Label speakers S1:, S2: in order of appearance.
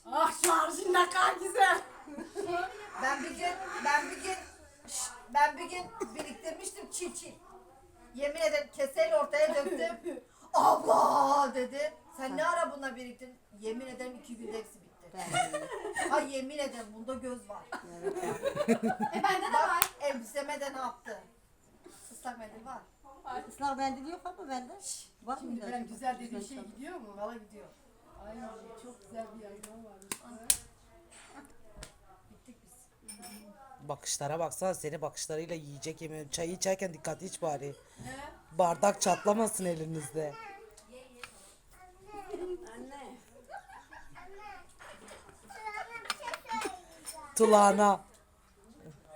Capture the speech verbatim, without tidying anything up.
S1: Ah şarjın ne kadar güzel.
S2: Ben bir gün, ben bir gün, şşt, ben bir gün biriktirmiştim çil çil. Yemin ederim keseyle ortaya döktüm. Abla dedi. Sen ne ara buna biriktirdin? Yemin ederim iki günde hepsi bitti. Ha yemin ederim bunda göz var.
S1: E bende de
S2: Bak
S1: var.
S2: elbiseme de ne yaptı? Islak mendil var.
S3: Islak mendil yok ama bende. Var
S1: Şimdi
S3: mıydı
S1: ben
S3: acaba?
S1: güzel dediğim şey gidiyor mu?
S2: Valla gidiyor.
S1: Ay çok güzel bir yayınım varmış.
S2: Bittik biz.
S4: Bakışlara baksana, seni bakışlarıyla yiyecek yemiyorum. Çayı içerken dikkatli iç bari.
S1: Ne?
S4: Bardak çatlamasın elinizde.
S1: Anne.
S4: Tulağına.